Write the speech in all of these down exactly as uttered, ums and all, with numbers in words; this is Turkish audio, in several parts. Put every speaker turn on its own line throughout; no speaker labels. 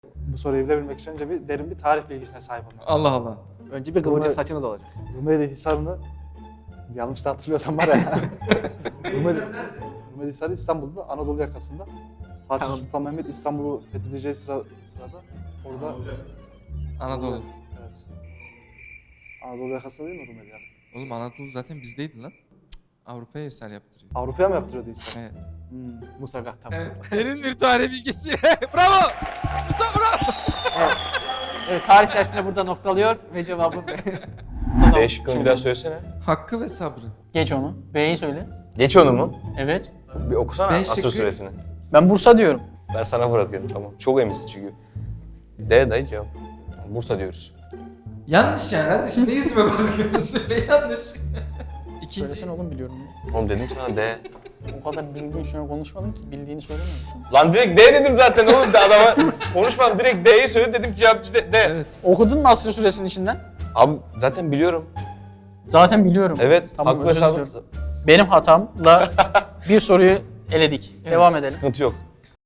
Bu soruyu bilebilmek için önce bir derin bir tarih bilgisine sahip olmak.
Allah Allah.
Önce bir kıvırcık
Rumeli-
saçınız olacak.
Rumeli Hisarı'nı yanlış da hatırlıyorsam var ya. Rumeli, Rumeli Hisarı İstanbul'da Anadolu yakasında. Fatih
Tamam.
Sultan Mehmet İstanbul'u fethedeceği sıra, sırada orada
Anadolu.
Evet. Anadolu yakasında değil mi Rumeli yani?
Oğlum Anadolu zaten bizdeydi lan. Cık, Avrupa'ya eser yaptırıyor.
Avrupa'ya mı yaptırıyordu Hisar?
Evet.
Hmm.
Musagah tamam.
Evet. Derin bir tarih bilgisi. Bravo. Musa bravo.
Evet. Evet, tarih dersinde burada noktalıyor ve cevabı B.
B şıkkını bir daha söylesene.
Hakkı ve sabrı.
Geç onu. B'yi söyle.
Geç onu mu?
Evet.
Bir okusana
B
asır
şıkkı-
süresini.
Ben Bursa diyorum.
Ben sana bırakıyorum tamam. Çok eminsin çünkü. D dayı cevap. Bursa diyoruz.
Yanlış ya kardeşim. Ne yüzüme bakıyorsun? Söyle yanlış. İkinci.
Söylesene oğlum biliyorum. ya.
Oğlum dedim sana D.
O kadar bildiğin şuna konuşmadın ki bildiğini söylemiyorsun.
Lan direkt D dedim zaten oğlum de adama. Konuşmadım direkt D'yi söyle dedim cevapçı D. D.
Evet.
Okudun mu Asr Suresinin içinden?
Abi zaten biliyorum.
Zaten biliyorum.
Evet.
Tamam,
Hakkı ve
özür
sabrı.
diliyorum. Benim hatamla bir soruyu eledik.
Evet.
Devam edelim.
Sıkıntı yok.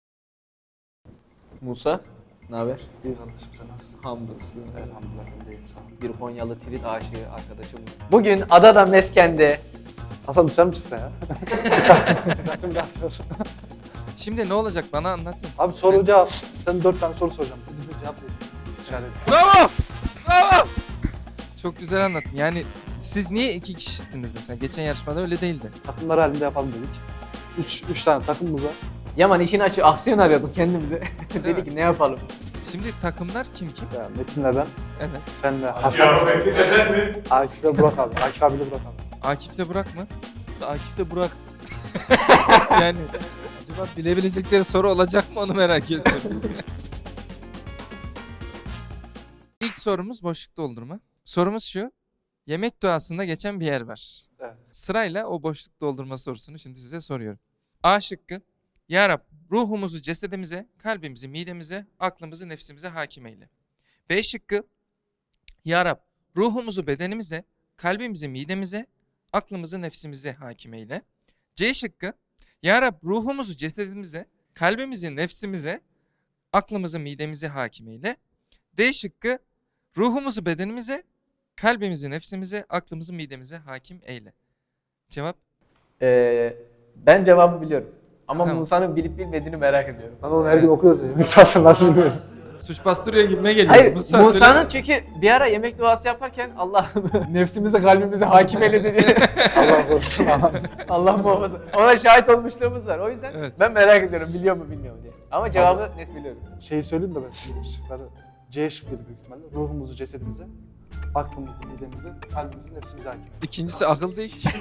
Musa, ne haber?
İyi kardeşim sen nasılsın?
Hamdolsun.
Elhamdülillah ben deyim sana.
Bir Konyalı trit aşığı arkadaşım. Bugün Adada Mesken'de
Hasan dışarı mı çıksa ya? Zaten bir atıyor.
Şimdi ne olacak bana anlatın.
Abi soru cevap. Sen dört tane soru soracağım. Bize cevap ver. İstişare edin.
Bravo. Bravo. Çok güzel anlattın. Yani siz niye iki kişisiniz mesela? Geçen yarışmada öyle değildi.
Takımlar halinde yapalım dedik. Üç, üç tane takımımız var.
Yaman işin açı aksiyon arıyorduk kendimize. Dedik ki ne yapalım?
Şimdi takımlar kim kim?
Ya Metin'le ben,
Evet.
senle Hasan, Akif'le Burak abi. Akif abiyle Burak abi.
Akif'le Burak mı? Akif'le Burak. Yani acaba bilebilecekleri soru olacak mı onu merak ediyorum. İlk sorumuz boşluk doldurma. Sorumuz şu. Yemek duasında geçen bir yer var.
Evet.
Sırayla o boşluk doldurma sorusunu şimdi size soruyorum. A şıkkı. Ya Rab ruhumuzu cesedimize, kalbimizi midemize, aklımızı nefsimize hakim eyle. B şıkkı. Ya Rab ruhumuzu bedenimize, kalbimizi midemize, aklımızı nefsimize hakim eyle. C şıkkı. Ya Rab ruhumuzu cesedimize, kalbimizi nefsimize, aklımızı midemize hakim eyle. D şıkkı. Ruhumuzu bedenimize, kalbimizi nefsimize, aklımızı midemize hakim eyle. Cevap?
Ee, ben cevabı biliyorum. Ama
Tamam.
Musa'nın bilip bilmediğini merak ediyorum.
Ben onu her gün okuyoruz ya. Yemek duasını nasıl bilmiyorum.
Suç bastırıyor gibime geliyor.
Hayır,
Musa
Musa'nın
söylemez.
çünkü bir ara yemek duası yaparken Allah nefsimize kalbimize hakim eyle dedi.
Allah korusun ama.
Allah muhafaza. Ona şahit olmuşluğumuz var. O yüzden
Evet.
ben merak ediyorum biliyor mu bilmiyor mu diye. Ama cevabı net biliyorum.
Şeyi söyleyeyim de ben şimdi şıkları. C şıkkıydı büyük ihtimalle. Ruhumuzu cesedimize, aklımızı midemize, kalbimizi nefsimize hakim.
İkincisi akıl değil ki.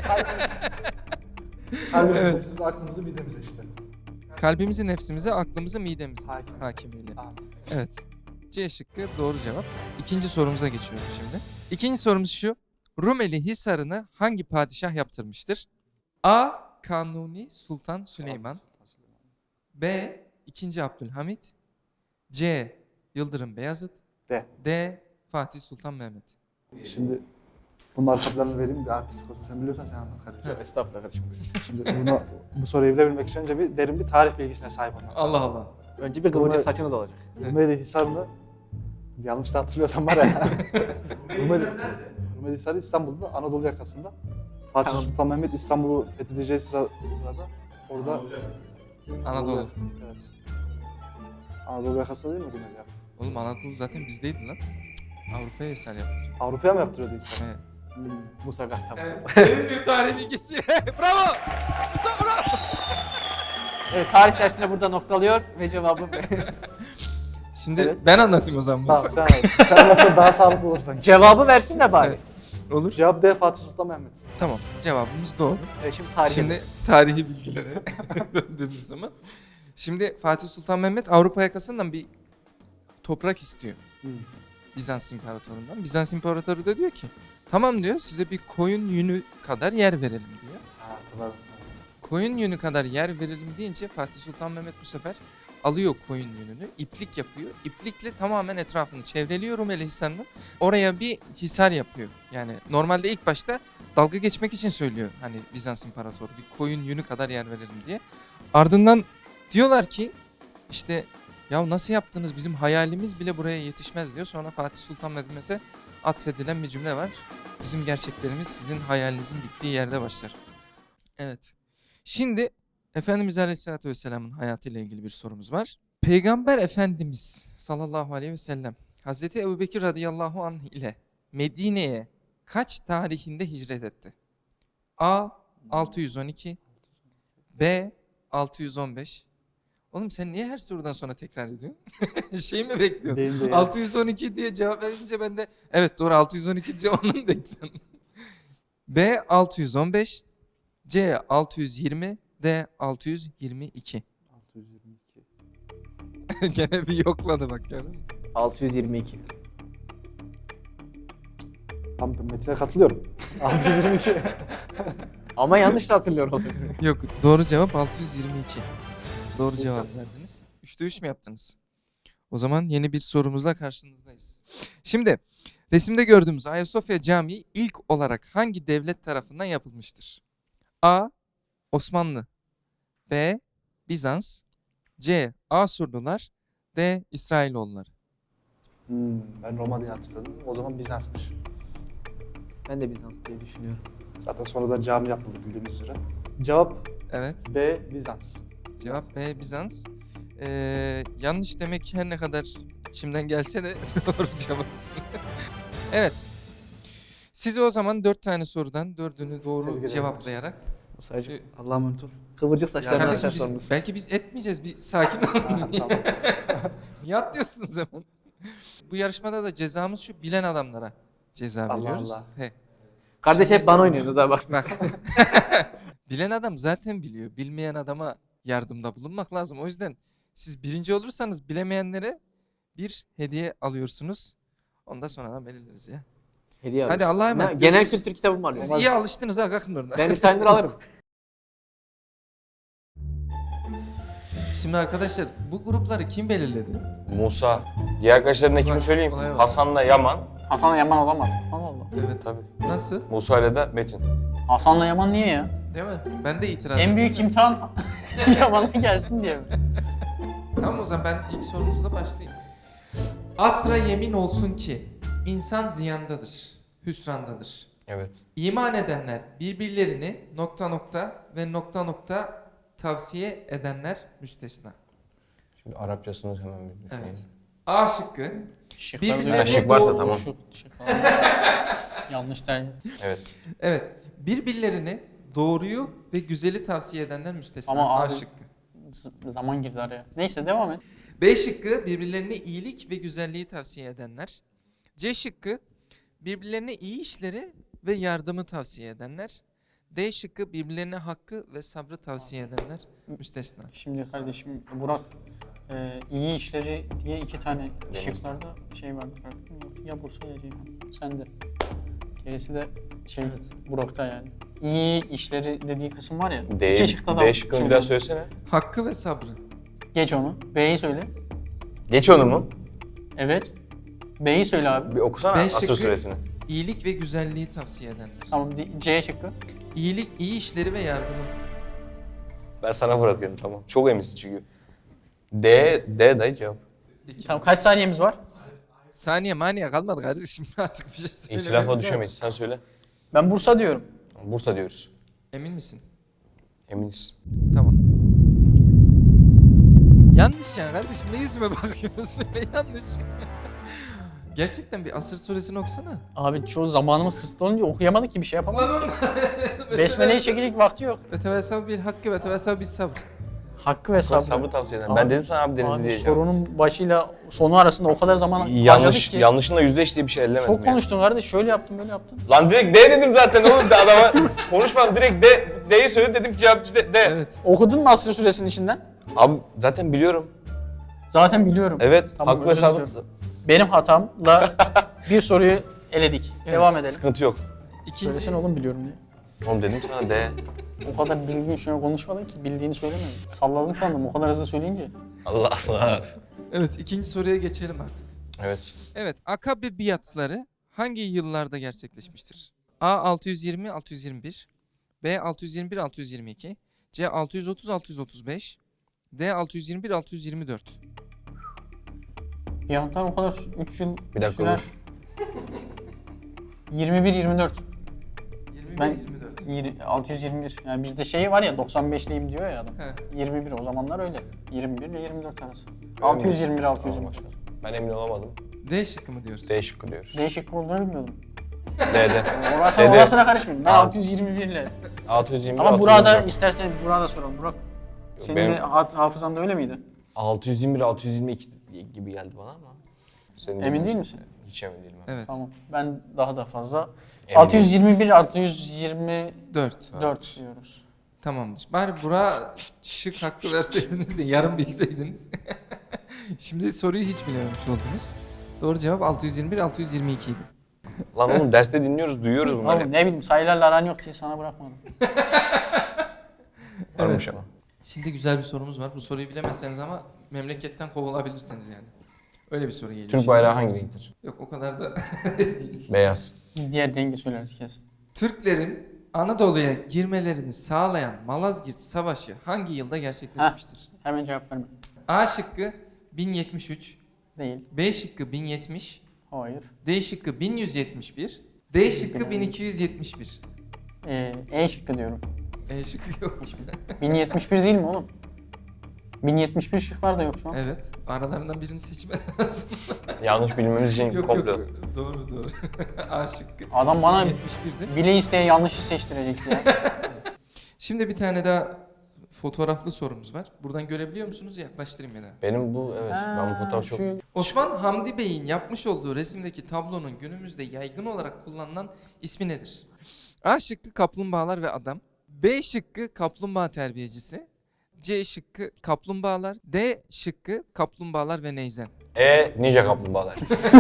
Kalbimizi,
Evet.
nefsimize, aklımızı midemize işte.
Kalbimizi, nefsimize, aklımızı, midemize
Hakim.
hakim eyle.
Tamam.
Evet. C şıkkı doğru cevap. İkinci sorumuza geçiyorum şimdi. İkinci sorumuz şu. Rumeli Hisarı'nı hangi padişah yaptırmıştır? A. Kanuni Sultan Süleyman. B. İkinci Abdülhamit. C. Yıldırım Beyazıt.
D.
D. Fatih Sultan Mehmet.
Şimdi bunun arkalarını vereyim de artistik olsun. Sen biliyorsan sen anlat kardeşim.
Estağfurullah kardeşim.
Şimdi bunu, bu soruyu bilebilmek için önce bir derin bir tarih bilgisine sahip olmak.
Allah Allah.
Önce bir kıvırcık
Rumeli-
saçınız olacak.
Rumeli Hisarı'nı yanlış da hatırlıyorsam var ya. Rumeli, Rumeli Hisarı İstanbul'da Anadolu yakasında. Fatih
Tamam.
Sultan Mehmet İstanbul'u fethedeceği sıra, sırada orada
Anadolu.
Evet. Anadolu yakasında değil mi Rumeli ya?
Oğlum Anadolu zaten bizdeydi lan. Cık, Avrupa'ya eser yaptırıyor.
Avrupa'ya mı yaptırıyordu Hisar?
Evet.
Hmm.
Musagah tamam.
Evet. Derin bir tarih bilgisi. Bravo. Musa bravo.
Evet, tarih dersinde burada noktalıyor ve cevabı B.
Şimdi
Evet.
ben anlatayım o zaman Musa.
Tamam sen anlat. Sen anlatsan daha sağlıklı olur sanki.
Cevabı versin de bari.
Evet. Olur.
Cevap D. Fatih Sultan Mehmet.
Tamam. Cevabımız doğru.
Evet, şimdi tarih.
Şimdi tarihi bilgilere döndüğümüz zaman. Şimdi Fatih Sultan Mehmet Avrupa yakasından bir toprak istiyor.
Hmm.
Bizans İmparatorundan. Bizans İmparatoru da diyor ki tamam diyor size bir koyun yünü kadar yer verelim diyor.
Ha, hatırladım.
Koyun yünü kadar yer verelim deyince Fatih Sultan Mehmet bu sefer alıyor koyun yününü, iplik yapıyor. İplikle tamamen etrafını çevreliyor Rumeli Hisarı'nın. Oraya bir hisar yapıyor. Yani normalde ilk başta dalga geçmek için söylüyor hani Bizans İmparatoru bir koyun yünü kadar yer verelim diye. Ardından diyorlar ki işte Ya nasıl yaptınız? Bizim hayalimiz bile buraya yetişmez diyor. Sonra Fatih Sultan Mehmet'e atfedilen bir cümle var. Bizim gerçeklerimiz sizin hayalinizin bittiği yerde başlar. Evet. Şimdi Efendimiz Aleyhisselatü Vesselam'ın hayatıyla ilgili bir sorumuz var. Peygamber Efendimiz sallallahu aleyhi ve sellem Hazreti Ebubekir radıyallahu anh ile Medine'ye kaç tarihinde hicret etti? A. altı yüz on iki, B. altı yüz on beş. Oğlum sen niye her sorudan sonra tekrar ediyorsun? Şey mi bekliyorsun?
Benim de ya.
altı yüz on iki diye cevap verince ben de evet doğru altı yüz on iki diye onu mu bekliyorum? B. altı yüz on beş, C. altı yüz yirmi, D. altı yüz yirmi iki.
altı yüz yirmi iki.
Gene bir yokladı bak gördün mü?
altı yüz yirmi iki.
Tam Metin'e katılıyorum. altı yüz yirmi iki.
Ama yanlış da hatırlıyorum.
Yok doğru cevap altı yüz yirmi iki. Doğru cevap verdiniz. Üçte üç mü yaptınız? O zaman yeni bir sorumuzla karşınızdayız. Şimdi resimde gördüğümüz Ayasofya Camii ilk olarak hangi devlet tarafından yapılmıştır? A. Osmanlı, B. Bizans, C. Asurlular, D. İsrailoğulları.
Hmm, ben Roma diye hatırladım. O zaman Bizans'mış.
Ben de Bizans diye düşünüyorum.
Zaten sonradan cami yapıldı bildiğiniz üzere. Cevap
Evet.
B. Bizans.
Cevap B. Bizans. Ee, yanlış demek her ne kadar içimden gelse de doğru cevap. Evet. Size o zaman dört tane sorudan dördünü
Tebrik
doğru
ederim.
cevaplayarak.
Sadece
Allah'a emanet ol. Kıvırcık saçlarına
Kardeşim
arkadaşlarımız.
biz, belki biz etmeyeceğiz. Bir sakin olun.
Ha, tamam.
Niye atlıyorsunuz hemen? Bu yarışmada da cezamız şu bilen adamlara ceza
Allah
veriyoruz.
Allah.
He.
Kardeş
Şimdi-
hep bana oynuyorsunuz ha bak.
Bak. Bilen adam zaten biliyor. Bilmeyen adama yardımda bulunmak lazım. O yüzden siz birinci olursanız bilemeyenlere bir hediye alıyorsunuz. Onu da sonradan belirleriz ya.
Hediye
Hadi
alırız.
Allah'a
Ne-
emanet.
Genel
Görüşürüz.
kültür kitabım var.
Siz
Olmaz.
iyi alıştınız ha kalkın oradan.
Ben İskender alırım.
Şimdi arkadaşlar bu grupları kim belirledi?
Musa. Diğer arkadaşlarına kimi
Bak,
söyleyeyim?
olaya bak.
Hasan'la Yaman.
Hasan'la Yaman olamaz. Allah Allah.
Evet.
Tabii.
Nasıl?
Musa ile de Metin.
Hasan'la Yaman niye ya?
Değil mi? Ben de itiraz
En büyük
ediyorum.
imtihan Yaman'a gelsin diye mi?
Tamam o zaman ben ilk sorunuzla başlayayım. Asra yemin olsun ki insan ziyandadır, hüsrandadır.
Evet.
İman edenler birbirlerini nokta nokta ve nokta nokta tavsiye edenler müstesna.
Şimdi Arapçasını hemen bir düşüneyim.
Evet. A şıkkı.
Şıkları
Birbirlerine
duyuyorum.
şık varsa
doğru-
tamam.
Şu şıklar. Yanlış tercih.
Evet.
Evet. Birbirlerini doğruyu ve güzeli tavsiye edenler müstesna.
Ama
A
abi-
şıkkı.
Z- Zaman girdi araya. Neyse devam et.
B şıkkı birbirlerine iyilik ve güzelliği tavsiye edenler. C şıkkı birbirlerine iyi işleri ve yardımı tavsiye edenler. D şıkkı birbirlerine hakkı ve sabrı tavsiye edenler müstesna.
Şimdi kardeşim Burak e, iyi işleri diye iki tane
Deniz.
şıklarda şey vardı. farkında mı? Ya Bursa ya Ceyhan. Sen de. Gerisi de şey
Evet.
Burak'ta yani. İyi işleri dediği kısım var ya.
D,
iki şıkta da
D şıkkını bir daha
söylüyorum.
söylesene.
Hakkı ve sabrı.
Geç onu. B'yi söyle.
Geç onu mu?
Evet. B'yi söyle abi.
Bir okusana
B
Asır
şıkkı-
suresini.
İyilik ve güzelliği tavsiye edenler.
Tamam. D- C şıkkı.
İyilik, iyi işleri ve yardımı.
Ben sana bırakıyorum tamam. Çok eminsin çünkü. D, D dayı cevap.
İki.
Tamam kaç saniyemiz var?
Saniye maniye kalmadı kardeşim artık bir şey söylememiz
İhtilafa
lazım.
düşemeyiz. Sen söyle.
Ben Bursa diyorum.
Bursa diyoruz.
Emin misin?
Eminiz.
Tamam. Yanlış ya kardeşim ne yüzüme bakıyorsun söyle yanlış. Gerçekten bir Asır suresini okusana.
Abi çoğu zamanımız kısıtlı olunca okuyamadık ki bir şey yapamadık.
Lan oğlum.
Besmele'yi çekecek vakti yok.
Ve tevessel bil hakkı ve tevessel bil sabr.
Hakkı ve
Sabrı,
sabrı.
sabrı tavsiye eden.
Abi-
Ben dedim sana abi Denizli
Abi
diyeceğim.
sorunun başıyla sonu arasında o kadar zaman harcadık
Yanlış,
ki.
yanlışınla yüzleş diye bir şey ellemedim
Çok
ya.
konuştun kardeş. Şöyle yaptın böyle yaptın.
Lan direkt D dedim zaten oğlum. De adama konuşmadım direkt D, D'yi söyle dedim cevapçı D. D.
Evet.
Okudun mu Asr suresinin içinden?
Abi zaten biliyorum.
Zaten biliyorum.
Evet.
Tamam,
Hakkı ve
özür
sabrı.
diliyorum. Benim hatamla bir soruyu eledik.
Evet.
Devam edelim.
Sıkıntı yok.
İkinci,
Söylesene oğlum biliyorum diye.
Oğlum dedim sana D.
O kadar bildiğin şöyle konuşmadın ki bildiğini söylemedin. Salladın sandım o kadar hızlı söyleyince.
Allah Allah.
evet ikinci soruya geçelim artık.
Evet.
Evet Akabe biatları hangi yıllarda gerçekleşmiştir? A altı yüz yirmi altı yüz yirmi bir, B altı yüz yirmi bir altı yüz yirmi iki, C altı yüz otuz altı yüz otuz beş, D altı yüz yirmi bir altı yüz yirmi dört.
Fiyatlar o kadar üç yıl
Bir dakika
sürer.
dur.
yirmi bir yirmi dört.
yirmi bir
Ben-
yirmi dört.
Yir- altı yüz yirmi bir. Yani bizde şey var ya doksan beşliyim diyor ya adam.
He.
yirmi bir o zamanlar öyle. yirmi bir ile yirmi dört arası. altı yüz yirmi bir altı yüz yirmi dört.
Ben emin olamadım.
D şıkkı mı diyorsun?
D şıkkı diyoruz.
Değişik olduğunu bilmiyordum.
D'de.
Orası,
Dede.
orasına karışmayayım. Ben
Tamam.
altı yüz yirmi bir ile.
altı yüz yirmi bir,
Ama
altı yüz
burada
yirmi dört.
istersen burada soralım. Burak senin
benim-
de ha- hafızanda öyle miydi?
altı yüz yirmi bir, altı yüz yirmi iki gibi geldi bana ama. Senin
Emin
dediğin-
değil misin?
Hiç emin değilim. abi.
Evet.
Tamam. Ben daha da fazla.
Emin
altı yüz yirmi bir altı yüz yirmi
dört.
dört diyoruz.
Tamamdır. Bari Burak'a şık hakkı verseydiniz de yarım bilseydiniz. Şimdi soruyu hiç bilememiş oldunuz. Doğru cevap altı yüz yirmi bir altı yüz yirmi iki idi.
Lan oğlum derste dinliyoruz, duyuyoruz bunları.
Oğlum ne bileyim sayılarla aran yok diye sana bırakmadım.
Varmış ama.
Şimdi güzel bir sorumuz var. Bu soruyu bilemezseniz ama memleketten kovulabilirsiniz yani. Öyle bir soru geliyor.
Türk
şimdi.
bayrağı hangi renktir?
Yok o kadar da
Beyaz.
Biz diğer rengi söyleriz kesin.
Türklerin Anadolu'ya girmelerini sağlayan Malazgirt Savaşı hangi yılda gerçekleşmiştir?
Hemen cevap verme.
A şıkkı bin yetmiş üç,
Değil.
B şıkkı bin yetmiş,
Hayır.
D şıkkı bin yüz yetmiş bir, D şıkkı bin iki yüz yetmiş bir.
Ee, E şıkkı diyorum.
E şıkkı yok.
bin yetmiş bir değil mi oğlum? bin yetmiş bir şıklar da yok şu an.
Evet. Aralarından birini seçmen lazım.
Yanlış bilmemiz için
yok
komplo.
yok. Doğru doğru. A şıkkı.
Adam bana
yetmiş birdi.
bile isteye yanlışı seçtirecekti ya.
Şimdi bir tane daha fotoğraflı sorumuz var. Buradan görebiliyor musunuz? Yaklaştırayım ya da.
Benim bu evet. Ben bu fotoğraf çok...
Şu-
Osman Hamdi Bey'in yapmış olduğu resimdeki tablonun günümüzde yaygın olarak kullanılan ismi nedir? A şıkkı kaplumbağalar ve adam. B şıkkı kaplumbağa terbiyecisi. C şıkkı kaplumbağalar. D şıkkı kaplumbağalar ve neyzen.
E ninja kaplumbağalar.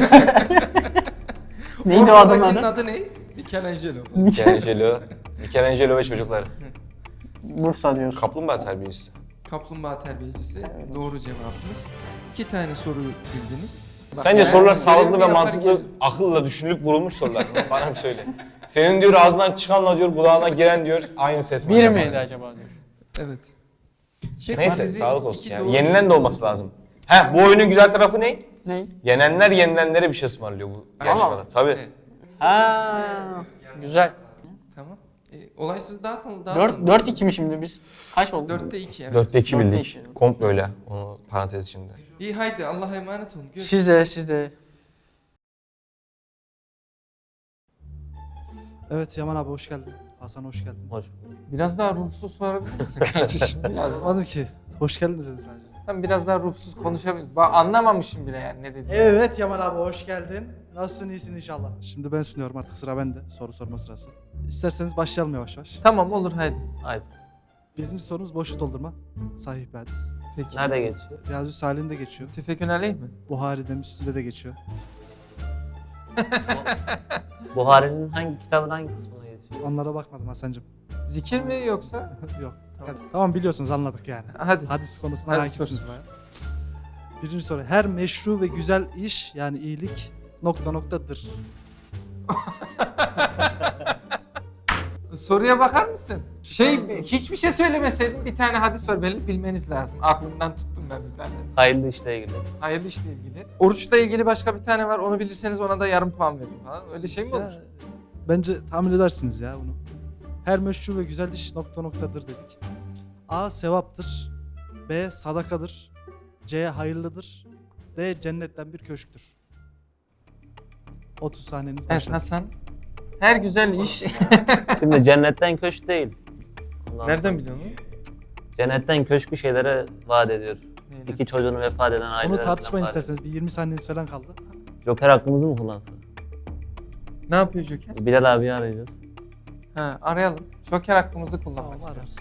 Neydi o adamın
Ortadakinin
adı?
adı ne? Michelangelo.
Michelangelo. Michelangelo ve çocuklar.
Bursa diyorsun.
Kaplumbağa terbiyesi.
Kaplumbağa terbiyecisi.
Evet.
Doğru cevabımız. İki tane soru bildiniz. Bak,
Sence
ben
sorular sağlıklı
görevimi
ve
yaparken-
mantıklı, akılla düşünülüp vurulmuş sorular mı? Bana bir söyle. Senin diyor ağzından çıkanla diyor kulağına giren diyor aynı ses mi?
Bir
acaba?
miydi acaba diyor.
Evet. Peki
Neyse
sizi
sağlık olsun
iki
ya.
doğru-
Yenilen de olması lazım. He bu oyunun güzel tarafı ne?
Ne?
Yenenler yenilenlere bir şey ısmarlıyor bu yarışmada. Tabii.
Evet,
Ha, güzel.
tamam. E, olaysız dağıtın.
dört dört iki mi şimdi biz? Kaç oldu?
dörtte iki evet.
Dörtte iki
Dörtte
bildik.
iki.
Komplo öyle. Onu parantez içinde.
İyi haydi Allah'a emanet olun. Görüşürüz.
Siz de siz de.
Evet Yaman abi hoş geldin. Hasan hoş geldin.
Hoş.
Biraz daha ruhsuz sorabilir misin kardeşim? Biraz,
Anlamadım ki. Hoş geldiniz dedim sadece.
ben biraz daha ruhsuz konuşabiliriz. Bak anlamamışım bile yani ne dediğini.
Evet Yaman abi hoş geldin. Nasılsın iyisin inşallah. Şimdi ben sunuyorum artık sıra bende. Soru sorma sırası. İsterseniz başlayalım yavaş yavaş.
Tamam olur haydi.
Haydi.
Birinci sorumuz boşluk doldurma. Sahih bir hadis.
Peki.
Nerede geçiyor?
Riyazü Salih'in de geçiyor.
Tüfekün aleyh mi?
Buhari'de, Müslim'de de geçiyor.
Buhari'nin hangi kitabın hangi kısmına geçiyor?
Onlara bakmadım Hasan'cığım.
Zikir mi yoksa?
Yok.
Tamam.
Tamam biliyorsunuz anladık yani.
Hadi.
Hadis konusuna
Hadi
hakimsiniz
sor.
bayağı. Birinci soru. Her meşru ve güzel iş yani iyilik nokta noktadır.
Soruya bakar mısın? Şey hiçbir şey söylemeseydin bir tane hadis var benim bilmeniz lazım. Aklımdan tuttum ben bir tane hadis.
Hayırlı işle ilgili.
Hayırlı işle ilgili. Oruçla ilgili başka bir tane var. Onu bilirseniz ona da yarım puan verin falan. Öyle şey mi olur?
Ya, bence tahmin edersiniz ya bunu. Her meşru ve güzel iş nokta noktadır dedik. A. Sevaptır. B. Sadakadır. C. Hayırlıdır. D. Cennetten bir köşktür. otuz saniyeniz
Evet
başladı.
Hasan. Her güzel iş.
Şimdi cennetten köşk değil. Ondan
Nereden
sonra
biliyorsun?
Cennetten köşkü şeylere vaat ediyor.
Neyle?
İki çocuğunu vefat eden ailelerden
Onu tartışmayın
vaat ediyor.
isterseniz. Bir yirmi saniyeniz falan kaldı.
Joker hakkımızı mı kullansak?
Ne yapıyor Joker?
Bilal abiyi arayacağız.
Ha, arayalım. Joker hakkımızı kullanmak
Tamam,
istiyoruz.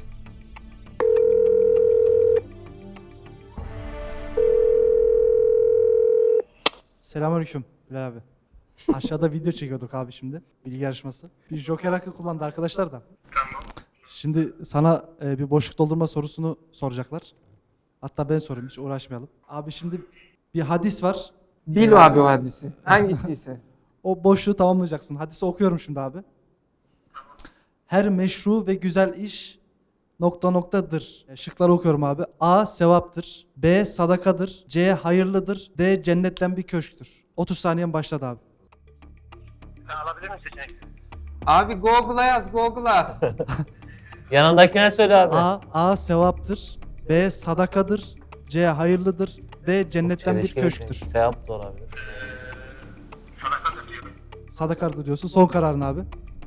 Selamünaleyküm Bilal abi. Aşağıda video çekiyorduk abi şimdi. Bilgi yarışması. Bir joker hakkı kullandı arkadaşlar da. Şimdi sana e, bir boşluk doldurma sorusunu soracaklar. Hatta ben sorayım hiç uğraşmayalım. Abi şimdi bir hadis var.
Bil abi o hadisi. Hangisi ise.
O boşluğu tamamlayacaksın. Hadisi okuyorum şimdi abi. Her meşru ve güzel iş nokta noktadır. E, Şıkları okuyorum abi. A. Sevaptır. B. Sadakadır. C. Hayırlıdır. D. Cennetten bir köşktür. otuz saniyen başladı abi.
Abi Google'a yaz Google'a.
Yanındakine söyle abi.
A. A. Sevaptır. B. Sadakadır. C. Hayırlıdır. D. Cennetten bir
Çelişki
köşktür.
yok. Sevap da olabilir.
Sadakadır diyorsun. Son kararın abi.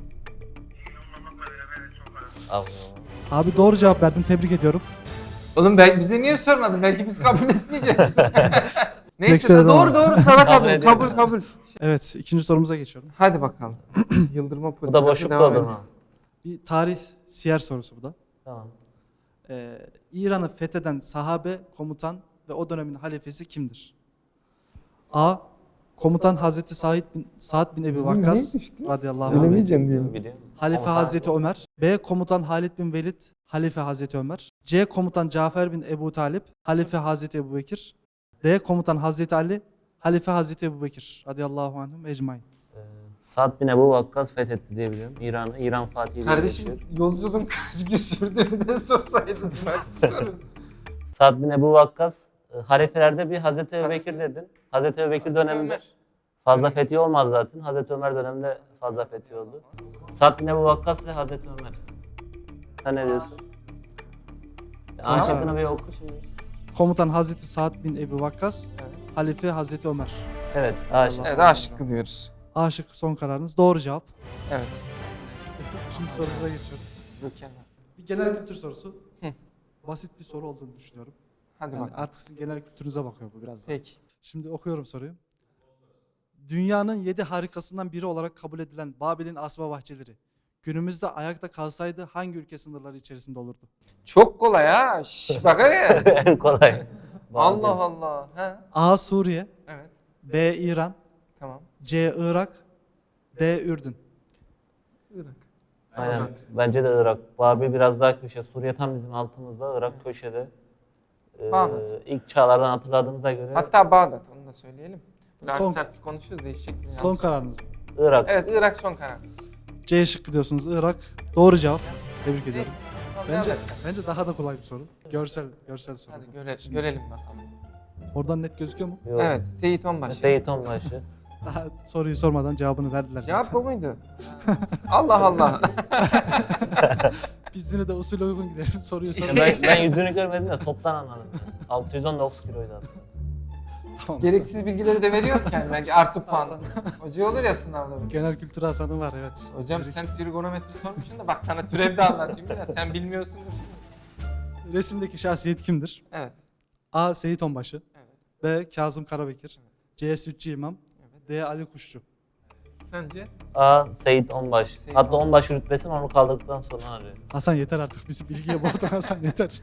Allah.
Abi doğru cevap verdin. Tebrik ediyorum.
Oğlum ben, bize niye sormadın? Belki biz kabul etmeyeceğiz. Neyse
söyledim
doğru
ama.
doğru sana
Kabul
kabul
ediyorum.
kabul kabul.
Evet. ikinci sorumuza geçiyorum.
Hadi bakalım. Yıldırma
Bu
politikası
da boşluk
devam
doldurma.
ediyor.
Bir tarih siyer sorusu bu da.
Tamam.
Ee, İran'ı fetheden sahabe, komutan ve o dönemin halifesi kimdir? A. Komutan Hazreti Said bin, Sa'd bin Ebi Vakkas radıyallahu anh.
Biliyor musun?
Halife
Komutan-
Hazreti Ömer. B. Komutan Halid bin Velid. Halife Hazreti Ömer. C. Komutan Cafer bin Ebu Talip. Halife Hazreti Ebu Bekir. D. Komutan Hazreti Ali. Halife Hazreti Ebu Bekir radıyallahu anhum ecmain.
Ee, Sa'd bin Ebu Vakkas fethetti diye biliyorum. İran'ı, İran Fatihi diye
Kardeşim
geçiyor.
yolculuğun kaç gün sürdüğünü de sorsaydın. Ben sorun.
Sa'd bin Ebu Vakkas e, halifelerde bir Hazreti Ebubekir dedin. Hazreti Ebubekir döneminde fazla fethi olmaz zaten. Hazreti Ömer döneminde fazla fethi oldu. Sa'd bin Ebu Vakkas ve Hazreti Ömer. Sen ne diyorsun?
Son
A
karar.
şıkkını bir oku şimdi.
Komutan Hazreti Sa'd bin Ebu Vakkas. Halife Hazreti Ömer.
Evet, A şıkkı.
Evet A şıkkı diyoruz.
A şıkkı son kararınız. Doğru cevap.
Evet.
Şimdi sorumuza geçiyorum.
Mükemmel.
Bir genel kültür sorusu.
Hı.
Basit bir soru olduğunu düşünüyorum.
Hadi
Yani
bakalım.
artık sizin genel kültürünüze bakıyor bu biraz da.
Peki.
Şimdi okuyorum soruyu. Dünyanın yedi harikasından biri olarak kabul edilen Babil'in asma bahçeleri günümüzde ayakta kalsaydı hangi ülke sınırları içerisinde olurdu?
Çok kolay ha. Şş, bak ya.
En kolay.
Allah Allah. Ha.
A. Suriye.
Evet.
B. İran.
Tamam.
C. Irak. D. Ürdün.
Irak.
Aynen.
Evet.
Bence de Irak. Babil biraz daha köşe. Suriye tam bizim altımızda. Irak köşede. Ee,
Bağdat.
ilk çağlardan hatırladığımıza göre
Hatta Bağdat onu da söyleyelim. Biraz
Son-
sert konuşuyoruz değişik.
Son kararınız mı?
Irak.
Evet Irak son karar.
C şıkkı diyorsunuz. Irak. Doğru cevap. Tebrik ediyorum.
Neyse.
Bence
Evet.
bence daha da kolay bir soru. Görsel görsel soru.
Hadi göre,
Şimdi
görelim bakalım.
Oradan net gözüküyor mu?
Yok.
Evet Seyit Onbaşı.
Seyit Onbaşı.
Daha soruyu sormadan cevabını verdiler
Cevap
zaten.
bu muydu? Allah Allah.
Biz yine de usule uygun gidelim. Soruyu soralım.
ben, ben yüzünü görmedim de toptan anladım. altı yüz on dokuz kiloydu aslında.
Tamam.
Gereksiz bilgileri de veriyoruz ki yani belki artı puan.
Hasan.
Hoca olur ya sınavda. bir.
Genel kültür Hasan'ın var evet.
Hocam
Direkt-
sen trigonometri sormuşsun da bak sana türev de anlatayım biraz. Sen bilmiyorsundur.
Resimdeki şahsiyet kimdir?
Evet.
A. Seyit Onbaşı.
Evet.
B. Kazım Karabekir. C. Sütçü İmam.
Evet.
D. Ali Kuşçu.
Sence?
A. Seyit Onbaşı.
Seyit
Hatta
Onbaşı.
Onbaşı rütbesini onu kaldırdıktan sonra arıyor.
Hasan yeter artık bizi bilgiye boğdun Hasan yeter.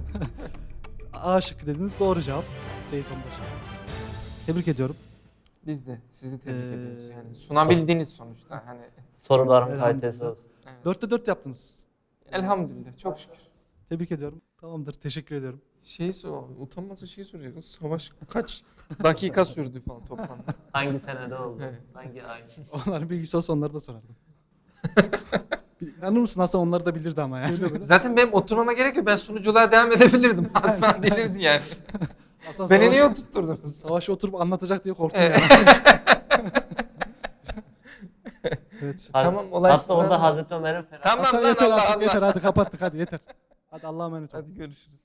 A şıkkı dediniz doğru cevap. Seyit Onbaşı. Tebrik ediyorum.
Biz de sizi tebrik
Ee,
ediyoruz. Yani sunabildiğiniz sonuçta hani
Soruların
Elhamdülillah.
kalitesi olsun.
evet.
Dörtte dört yaptınız.
Elhamdülillah çok şükür.
Tebrik ediyorum. Tamamdır teşekkür ediyorum.
Şey sor, utanmasa şey soracaksın. Savaş kaç dakika sürdü falan toplamda.
Hangi senede oldu?
Evet.
Hangi ay?
Onların bilgisi olsa onları da sorardım. İnanır mısın Hasan onları da bilirdi ama yani.
Zaten benim oturmama gerek yok. Ben sunuculuğa devam edebilirdim. Hasan delirdi yani.
Hasan
Beni
savaş-
niye oturtturdunuz?
Savaşı oturup anlatacak diye korktum
Evet.
yani. Evet.
Ha-
Tamam, olay
Hatta
sınav-
orada Hazreti Ömer'in ferah.
Tamam
Hasan
lan
yeter
Allah
artık
Allah.
yeter hadi kapattık hadi yeter. Hadi Allah'a emanet ol.
Hadi görüşürüz.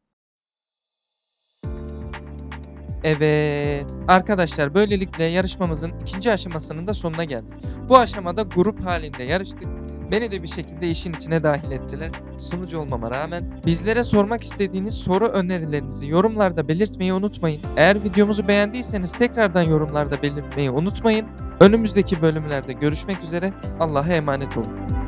Evet arkadaşlar böylelikle yarışmamızın ikinci aşamasının da sonuna geldik. Bu aşamada grup halinde yarıştık. Beni de bir şekilde işin içine dahil ettiler. Sunucu olmama rağmen. Bizlere sormak istediğiniz soru önerilerinizi yorumlarda belirtmeyi unutmayın. Eğer videomuzu beğendiyseniz tekrardan yorumlarda belirtmeyi unutmayın. Önümüzdeki bölümlerde görüşmek üzere. Allah'a emanet olun.